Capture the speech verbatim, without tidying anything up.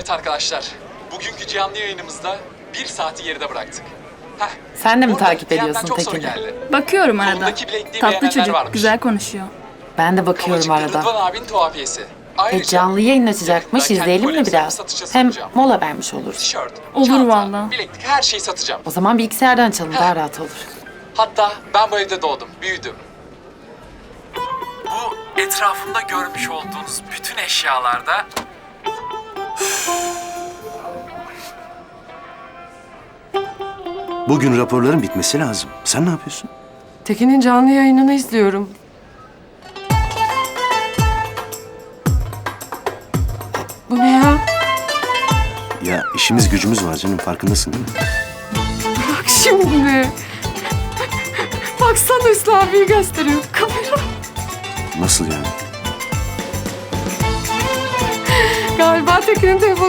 Evet arkadaşlar, bugünkü canlı yayınımızda bir saati geride bıraktık. Heh, Sen de mi orada takip D M'den ediyorsun çok soru Tekin'i? geldi. Bakıyorum arada. Kolundaki bilekliği Tatlı beğenenler çocuk, varmış. güzel konuşuyor. Ben de bakıyorum Kavacıklı Rıdvan arada. abinin tuhafiyesi. E, Ayrıca canlı yayın açacakmış, yakında kendi izleyelim mi koleksiyonumu biraz? satışa Hem sunacağım. mola vermiş oluruz. Tişört, Olur çanta, valla. bileklik her şeyi satacağım. O zaman bilgisayardan açalım, daha rahat olur. Hatta ben bu evde doğdum, büyüdüm. Bu etrafımda görmüş olduğunuz bütün eşyalarda Bugün raporların bitmesi lazım. Sen ne yapıyorsun? Tekin'in canlı yayınını izliyorum. Bu ne ya? Ya işimiz gücümüz var canım, farkındasın değil mi? Bak şimdi. Baksana Hüsnü abiyi gösteriyor kamera. Nasıl yani? Galiba Tekin'in telefonu